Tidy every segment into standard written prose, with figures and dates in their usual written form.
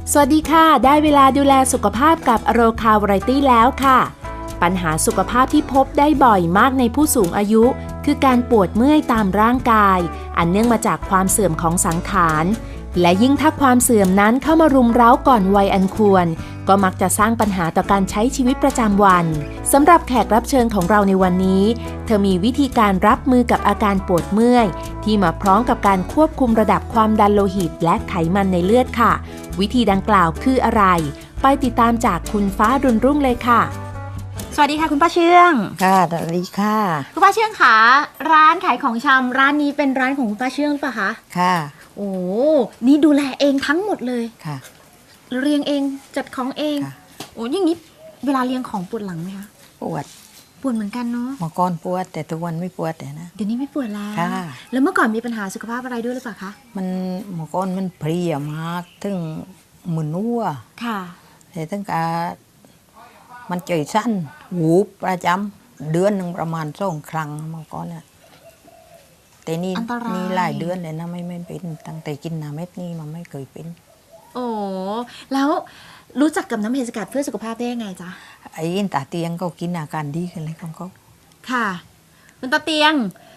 สวัสดีค่ะได้เวลาดูแลสุขภาพกับโรคาวไรตี้แล้วค่ะปัญหาสุขภาพที่พบได้บ่อยมากในผู้สูงอายุคือการปวดเมื่อยตามร่างกายอันเนื่องมาจากความเสื่อมของสังขารและยิ่งถ้าความเสื่อมนั้นเข้ามารุมเร้าก่อนวัยอันควรก็มักจะสร้างปัญหาต่อการใช้ชีวิตประจำวันสำหรับแขกรับเชิญของเราในวันนี้เธอมีวิธีการรับมือกับอาการปวดเมื่อยที่มาพร้อมกับการควบคุมระดับความดันโลหิตและไขมันในเลือดค่ะวิธีดังกล่าวคืออะไรไปติดตามจากคุณฟ้ารุ่นรุ่งเลยค่ะสวัสดีค่ะคุณป้าเชื่องค่ะสวัสดีค่ะคุณป้าเชื่องค่ะร้านขายของชำร้านนี้เป็นร้านของคุณป้าเชื่องหรือเปล่าคะค่ะโอ้นี่ดูแลเองทั้งหมดเลยค่ะเรียงเองจัดของเองโอ้อย่างนี้เวลาเรียงของปวดหลังไหมคะปวดเหมือนกันเนาะเมื่อก่อนปวดแต่ทุกวันไม่ปวดแต่นะเดี๋ยวนี้ไม่ปวดแล้วค่ะแล้วเมื่อก่อนมีปัญหาสุขภาพอะไรด้วยหรือเปล่าคะมันเมื่อก่อนมันเพลียมากถึงมึนหัวค่ะแต่ตั้งแต่มันใจสั้นหูประจำเดือนหนึ่งประมาณ2 ครั้งเมื่อก่อนน่ะแต่นี่หลายเดือนเลยนะไม่เป็นตั้งแต่กินน้ำเม็ดนี่มันไม่เคยเป็นโอ้แล้วรู้จักกับน้ำเห็ดสกัดเพื่อสุขภาพได้ยังไงจ๊ะไอ้ตาเตียงก็กินอาการดีขึ้นเลยของเขาค่ะคุณตาเตียง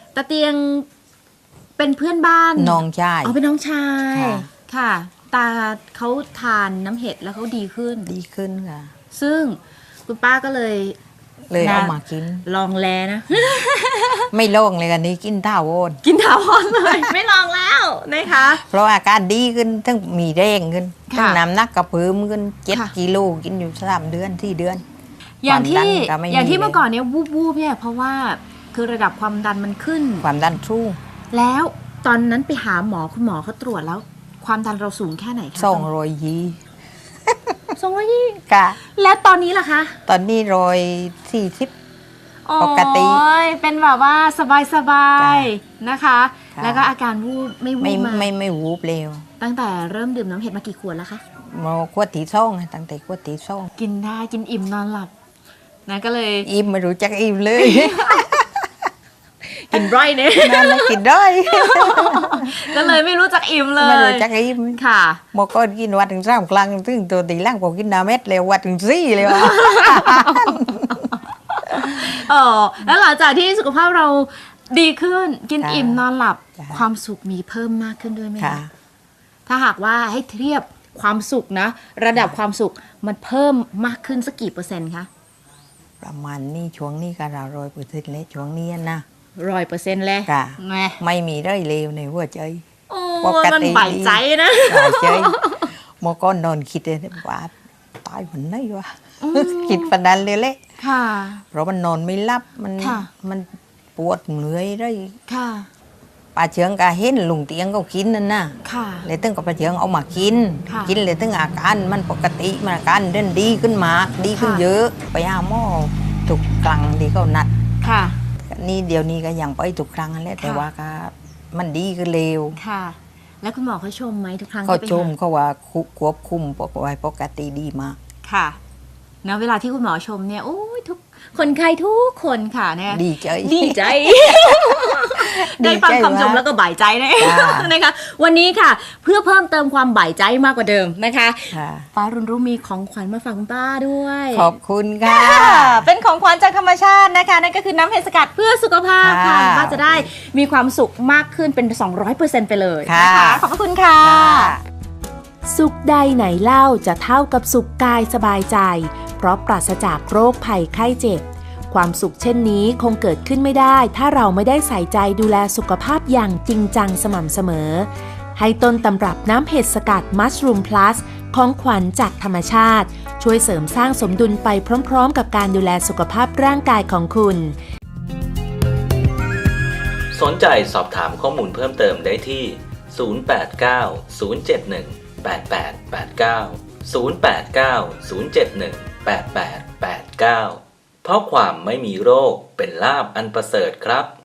เป็นเพื่อนบ้านน้องชายเป็นน้องชายค่ะตาเขาทานน้ำเห็ดแล้วเขาดีขึ้นค่ะซึ่งคุณป้าก็เลยเอามากินลองแลนะไม่ลองเลยกันนี้กินท่าวอนเลย ไม่ลองแล้วนะคะเพราะอาการดีขึ้นทั้งมีแรงขึ้นทั้งน้ำหนักกระเพิ่มขึ้น7 กิโลกินอยู่3 เดือน4 เดือนอย่างที่เมื่อก่อนเนี้ยวูบเนี่ยเพราะว่าคือระดับความดันมันขึ้นความดันสู้แล้วตอนนั้นไปหาหมอคุณหมอเขาตรวจแล้วความดันเราสูงแค่ไหนคะ 220ค่ะแล้วตอนนี้ล่ะคะตอนนี้140ปกติเป็นแบบว่าสบายนะคะแล้วก็อาการวูบไม่วูบไม่วูบเร็วตั้งแต่เริ่มดื่มน้ำเห็ดมากี่ขวดแล้วคะขวดที่2ตั้งแต่ขวดที่2 กินได้กินอิ่มนอนหลับนะก็เลยอิ่มไม่รู้จักอิ่มเลยกินร่อยเนี่ยนั่นแหละกินได้ก็เลยไม่รู้จักอิ่มเลยไม่รู้จักอิ่มค่ะเมื่อก่อนกินวัดถึง3 ครั้งถึงตัวตีล่างพอกินน้ำเม็ดเลยวัดถึง4เลยว่ะแล้วหลังจากที่สุขภาพเราดีขึ้นกินอิ่มนอนหลับความสุขมีเพิ่มมากขึ้นด้วยไหมคะถ้าหากว่าให้เทียบความสุขนะระดับความสุขมันเพิ่มมากขึ้นสักกี่%คะประมาณนี้ช่วงนี้ก็100%เลยช่วงนี้นะ 100%เลยไม่มีได้เลวในหัวใจปกติมันใบใจนะใจเมื่อก่อนนอนคิดเลยว่าตายวันไหนวะคิดปนันเลยแหละเพราะมันนอนไม่หลับมันปวดเหนื่อยเลยป้าเชืองก็เห็นลุงเตียงก็กินนั่นนะเลยตึ้งกับป้าเชืองเอามากินเลยตึ้งอาการมันปกติมันอาการเดินดีขึ้นมากดีขึ้นเยอะไปหาหมอทุกครั้งที่เขานัดนี่เดี๋ยวนี้ก็ยังไปทุกครั้งนั่นแหละแต่ว่าก็มันดีขึ้นเร็วแล้วคุณหมอเขาชมไหมทุกครั้งเขาชมเขาว่าควบคุมปกติดีมากค่ะนะเวลาที่คุณหมอชมเนี่ยโอ้ยทุกคนไข้ทุกคนค่ะเนี่ยดีใจได้ฟังคำชมแล้วก็บ่ายใจนะคะวันนี้ค่ะเพื่อเพิ่มเติมความบ่ายใจมากกว่าเดิมนะคะป้ารุ่นรุ่งมีของขวัญมาฝากคุณป้าด้วยขอบคุณค่ะเป็นของขวัญจากธรรมชาตินะคะนั่นก็คือน้ำเห็ดสกัดเพื่อสุขภาพค่ะป้าจะได้มีความสุขมากขึ้นเป็น 200% ไปเลยนะคะขอบพระคุณค่ะสุขใดไหนเล่าจะเท่ากับสุขกายสบายใจเพราะปราศจากโรคภัยไข้เจ็บความสุขเช่นนี้คงเกิดขึ้นไม่ได้ถ้าเราไม่ได้ใส่ใจดูแลสุขภาพอย่างจริงจังสม่ำเสมอให้ต้นตำรับน้ำเห็ดสกัดมัชรูมพลัสของขวัญจากธรรมชาติช่วยเสริมสร้างสมดุลไปพร้อมๆกับการดูแลสุขภาพร่างกายของคุณสนใจสอบถามข้อมูลเพิ่มเติมได้ที่ 089 071 8889 089 071 8889 เพราะความไม่มีโรคเป็นลาภอันประเสริฐครับ